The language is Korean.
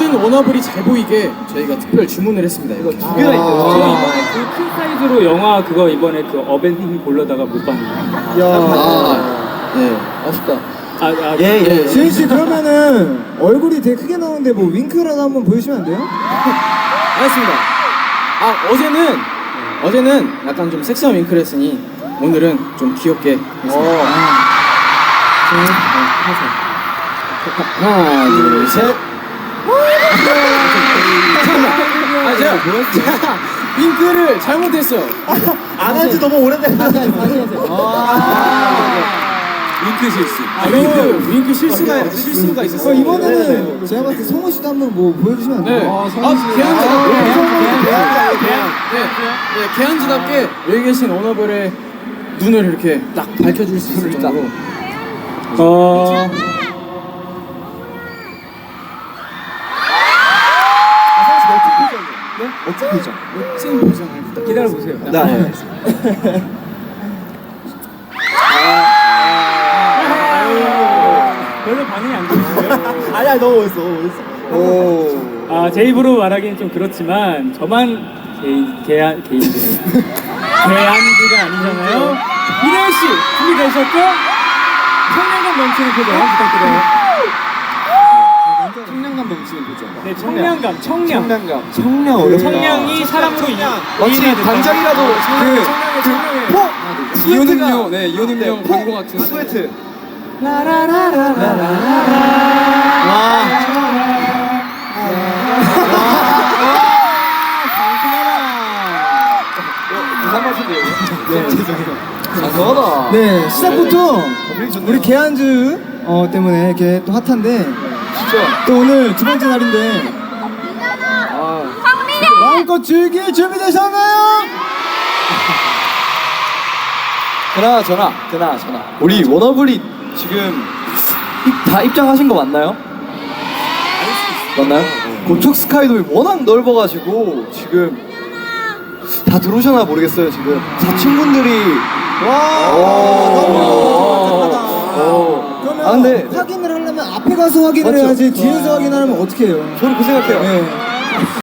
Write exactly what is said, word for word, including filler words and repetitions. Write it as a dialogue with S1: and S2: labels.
S1: 모든 워너블이 잘 보이게 저희가 특별 주문을 했습니다. 이거 두 개나 있어요.
S2: 저 이번에 그 큰 사이즈로 영화 그거 이번에 그 어벤져스 보려다가 못 봤는데.
S3: 야,
S1: 아, 네, 아쉽다.
S2: 아, 아,
S1: 예, 예.
S3: 지은 씨 그러면은 얼굴이 되게 크게 나오는데 뭐 윙크라도 한번 보여주시면 안 돼요?
S1: 알겠습니다. 아, 어제는 어제는 약간 좀 섹시한 윙크를 했으니 오늘은 좀 귀엽게 했습니다.
S3: 어.
S1: 하나, 둘, 셋. 잠깐만. 아, 제가 제가 윙크를 잘못했어요.
S3: 안 한 지 너무 오래된 거 같아요.
S1: 윙크 실수. 아, 윙크 윙크 실수가 실수가 있었어요.
S3: 어, 이번에는 제가 봤을 때 성우 씨도 한번 뭐 보여주시면 안
S1: 네.
S3: 돼요?
S1: 아, 개한지답게.
S3: 개한지.
S1: 네, 네, 개한지답게 여기 계신 워너블의 눈을 이렇게 딱 밝혀줄 수 있을 정도로.
S2: 어,
S3: 네? 멋진 표정.
S1: 멋진 표정을 부탁드립니다.
S2: 기다려 보세요.
S1: 네.
S2: 별로 반응이 안 좋으세요?
S3: 아니야, 너무 멋있어. 너무 멋있어. 오.
S2: 아, 제 입으로 말하기는 좀 그렇지만 저만 개인 개한 개인들이에요. 개한지가 아니잖아요. 이대현 씨 준비되셨죠? 청량감 넘치는 표정 부탁드려요.
S1: 청량감 넘치는 표정.
S2: 네, 청량감, 청량.
S3: 청량감. 청량 어렵다.
S2: 청량이 사람으로 이
S3: 마치 단장이라도 그,
S1: 청량해.
S3: 그, 포!
S1: 이온음료, 네, 이온음료
S3: 포!
S1: 광고 같은.
S3: 스웨트.
S1: 장난하다.
S3: 네, 시작부터 우리 개한즈 어, 때문에 이렇게 또 핫한데
S1: 진짜.
S3: 또 오늘 두 번째 날인데 마음껏 즐길 준비되셨나요?
S4: 그나저나 그나저나 우리 워너블이 지금 입- 다 입장하신 거 맞나요? 맞나요? 고척 스카이돔이 워낙 넓어가지고 지금 다 들어오셨나 모르겠어요. 지금 사층분들이
S3: 와,
S4: 오. 오.
S3: 그러면
S4: 아 근데
S3: 확인을 하려면 앞에 가서 확인을
S4: 맞죠?
S3: 해야지 뒤에서 확인하면 어떻게 해요?
S4: 저는 그 생각해요.
S3: 네.